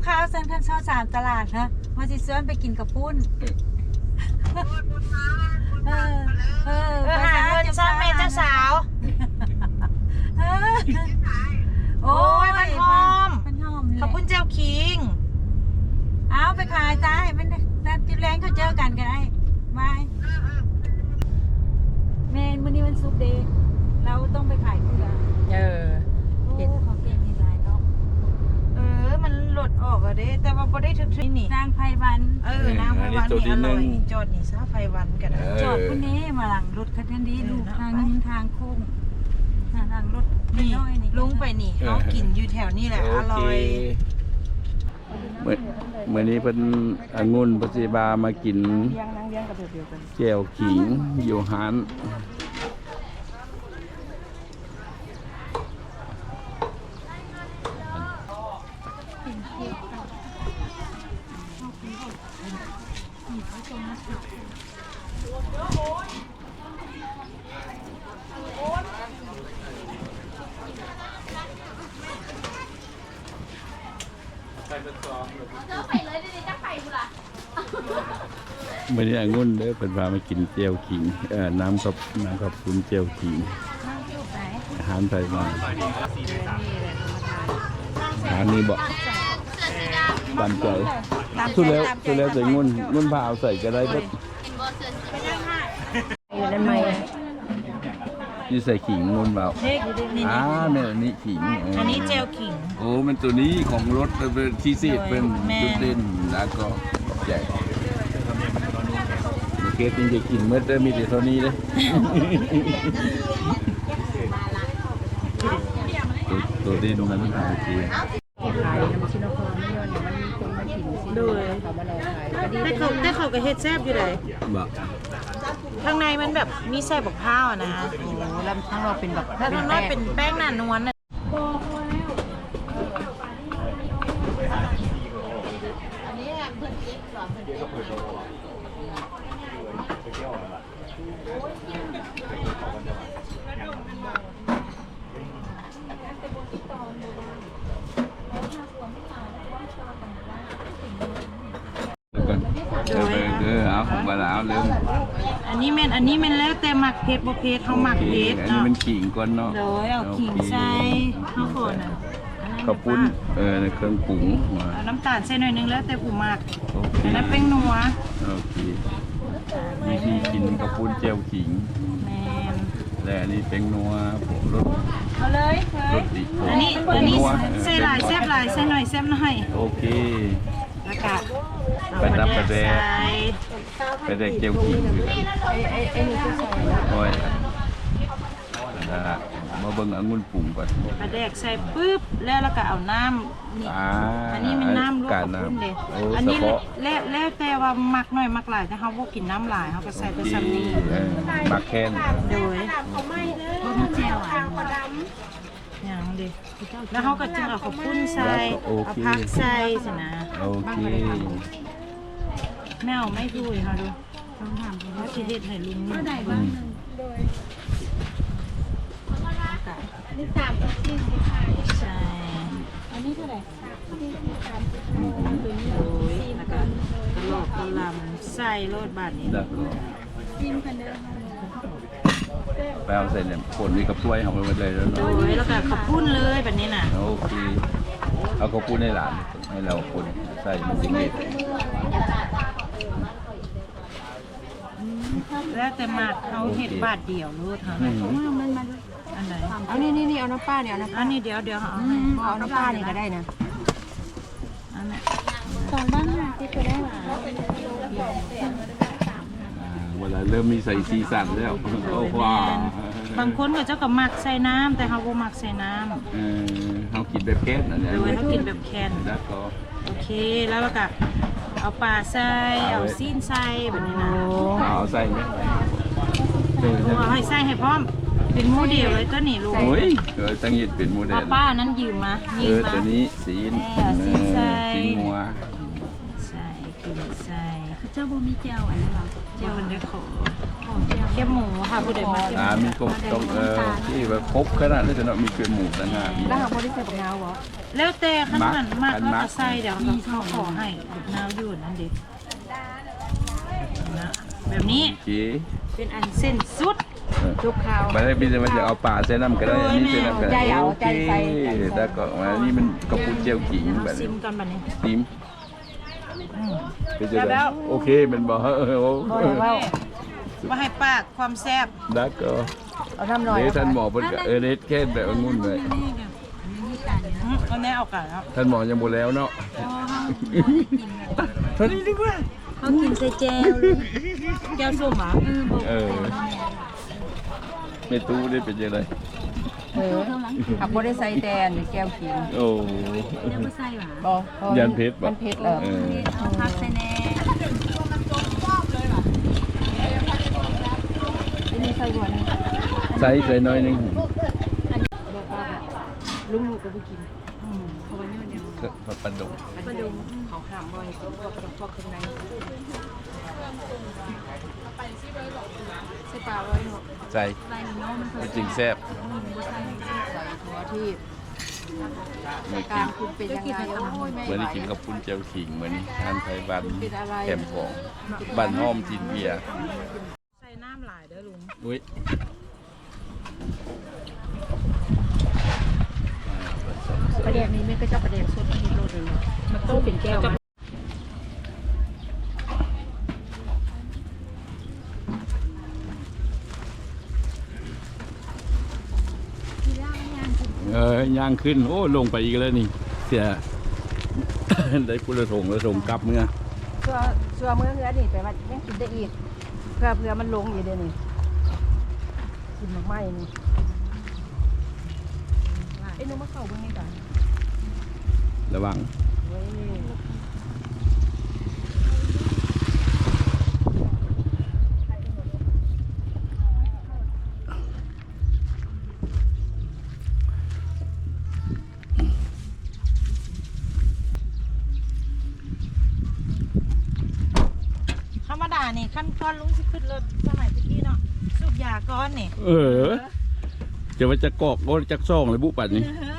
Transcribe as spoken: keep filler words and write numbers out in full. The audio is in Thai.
ข้าวเส้นขั้นเช้าสามตลาดนะมาสิเสื้อไปกินกับปุ้นเออเออไปหาเงินซ่อนแม่เจ้าสาวโอ้ยมันหอมมันหอมขอบคุณเจ้าคิงเอาไปขายจ้ามันนัดจิบแรงเขาเจอกันกันไอ้ไม่เมนวันนี้วันศุกร์เดย์เราต้องไปขายเกลือเออเห็นของเก่งมีหลายเนาะเออมันหลุดออกอะเด้แต่ว่าบ่ได้ถึกๆนี่นางไพวันเออนางไพวันนี่อร่อยจอดนี่ซะไพวันกันจอดคนนี้มาหลังรถคันนี้ลูกทางนี้ทางโค้งทางรถนี่ลุงไปนี่เขากินอยู่แถวนี้แหละอร่อยเมื่อเมื่อนี้เป็นองุ่นปัจจิบามากินแก้วขิงอยู่ฮานเมื่อนี้องุ่นเด้อเป็นพามากินเจียวขิงเอ่อน้ำกับน้ำกับคุณเจียวขิงอาหารไทยมาอาหารนี้บอกตามใจสุดแล้วสุดแล้วใส่งุ่นงุ่นพาเอาใส่ก็ได้เพิ่มนี่ใส่ขิงงุ่นเปล่าอ่าเนี่ยนี่ขิงอันนี้เจลขิงโอ้มันตัวนี้ของรถเป็นที่ซีดเป็นจุดเด่นแล้วก็ใหญ่เกตจริงจะกินเมื่อได้มีแต่เท่านี้เลยตัวเด่นมันหาจริงแต่เขาแต่เขาก็เฮ็ดแซ่บอยู่เลยข้างในมันแบบมีแซ่บบักพร้าวนะโอ้แล้วข้างนอกเป็นแบบข้างนอกเป็นแป้งหนานวลนะอันนี้เพื่อนเล็กหรอเพื่อนเล็กเออเออเอาของมาแล้วเริ่มอันนี้แม่นอันนี้แม่นแล้วแต่หมักเผ็ดบ่เผ็ดเขาหมักเผ็ดเนาะอันนี้มันขิงก่อนเนาะโดยเอาขิงใส่ข้าวโพดน่ะข้าวปุ้นเออเครื่องปรุงน้ำตาลใส่หน่อยนึงแล้วแต่ผู้มักอันนั้นเป็นนัวโอเควิธีกินข้าวปุ้นเจียวขิงแม่นและอันนี้เป็นนัวรสเอาเลยรสดีอันนี้อันนี้ใส่หลายแซ่บหลายใส่หน่อยแซ่บหน่อยโอเคแล้วก็ไปรับไปแดกไปแดกเจียวขิงอยู่โอ้ยมาเบิ่งองุ่นปรุงก่อนไปแดกใส่ปุ๊บแล้วแล้วก็เอาน้ำนี่อันนี้มันน้ำลวกกับปุ้นเด็ดอันนี้แล้วแล้วแต่ว่ามักหน่อยมักหลายถ้าเขาบ่กินน้ำหลายเขาก็ใส่แต่ซ้ำนี้มักแค่นโดยบ่มีแจ่วอ่ะอย่างดิแล้วเขาก็จึงเอาข้าวปุ้นใส่เอาผักใส่สินะโอเคแมวไม่ดูค่ะดูต้องถามว่าชีวิตให้ลุงนี่ได้บ้างนี่สามสี่สิบห้าใช่อันนี้เท่าไหร่สี่สิบสามสิบห้าโอ้ยแล้วก็กระโหลกกระลำใส่โรดบาทนี้จิ้มกันเด้อไปเอาใส่เนี่ยผลมีกับถ้วยของมันเลยแล้วเนาะโอ้ยแล้วก็ข้าวปุ้นเลยแบบนี้น่ะโอเคเอาข้าวปุ้นให้หลานให้เราคนใส่มันจริงเด็ดแล้วแต่หมักเขาเห็ดบาทเดียวรู้ทางไหนอันไหนเอานี่นี่นี่เอาน้ำป้าเนี่ยเอาน้ำอันนี้เดี๋ยวเดี๋ยวเอาเอาน้ำป้านี่ก็ได้นะอันนี้สองบ้านค่ะที่จะได้หวานเวลาเริ่มมีใส่สีสันแล้วโอ้ว้าบางคนก็เจ้าก็หมักใส่น้ำแต่เขาบ่หมักใส่น้ำเออเขากินแบบแค่นั่นแหละโดยเขากินแบบแคนแล้วก็โอเคแล้วก็เอาปลาใส่เอาซีนใส่แบบนี้นะเอาใส่ไหมเอาให้ใส่ให้พร้อมเป็นหมูเดียวเลยตัวนี้ลูกโอ้ยเออตั้งยิดเป็นโมเดลป้านั้นยืมมายืมมาเออตัวนี้สีนสีใส่สีงัวใส่โอเคกินใส่คือเจ้าบ่มีเจ้าอันนี้หรอเจ้ามันได้ขอแค่หมูค่ะผู้ใดมาอ่ามีกบตรงเออที่แบบครบขนาดนี้จะเนาะมีเกลือหมูต่างหากแล้วหาบ่ได้ใส่บักนาวบ่แล้วแต่ขั้นมันมากอันเขามักจะใส่เดี๋ยวเขาขอให้ลูกนาวอยู่นั่นเด็กนะแบบนี้โอเคเป็นอันเส้นสุดจุกข้าวมาได้พี่จะมาจะเอาป่าใส่น้ำก็ได้อันนี้ใส่น้ำก็ใจได้เอาโอใจเคใส่แล้วก็มานี่มันกระปุกเจียวขิงแบบซินี้มกันแบบนี้ติมอืมเป็นจะได้โอเคมันบอกเออโอ้บ่ได้เว้าว่าให้ปากความแซ่บแล้วก็เอาน้ำหน่อยเดี๋ยวท่านหมอเพิ่นก็เออเด็ดแค่แบบองุ่นเลยอืมเอาแน่เอากันแล้วท่านหมอยังบ่แล้วเนาะเท่านี้ดีกว่าเขากินใส่แจวเลยแก้วส้มอ่ะเออไม่ตู้ได้เป็นยังไงเออขับบ่ได้ใส่แดนหรือแก้วขิงโอ้เรียกว่าไส้หวานบ่เพราะว่ายันเพชรบ่มันเผ็ดเหรอเออเอาพักใส่แน่ที่นี่ใส่หวานใส่ใส่น้อยหนึงลุงลูกก็ไปกินก็ปลาดุกปลาดุงเขาห้ามบ่ให้ตัวพวกพวกเครื่องในใส่ปลาไว้เนาะใส่ใส่เนาะมันก็จริงแซ่บใส่ถั่วที่เหมือนกากิรนคุณเป็นยังไงโอ้ยไม่เหมือนไหวได้กินกับปุ้นเจียวขิงเหมือนทานไทยบ้านเป็นอะไรแคมของบ้านห้อมจีนเบียร์ใส่น้ำหลายเด้อลุงอุ้ยประเด็นนี้ไม่ก็จะประเด็นสุดที่โลดเลยมันต้องเป็นแก้วมาเออย่างขึ้นโอ้ลงไปอีกแล้วนี่เสีย ได้พุระถงระถงกลับเมื่อชัวชัวเมื่อเฮือนี่ไปว่ายังกินได้อีกเพื่อเพื่อมันลงอยู่เดี๋ยวนี้กินมากไหมนี่ไอ้นุ่มมะเข่าเบิ่งนี่ก่อนระวังเว้ยธรรมดานี่ขั้นตอนลุงสิขึ้นรถสมัยตะกี้เนาะสูบยาก้อนนี่เออ จะว่าจะกอกโอ้จะซ่องเลยบุปัดนี่เออ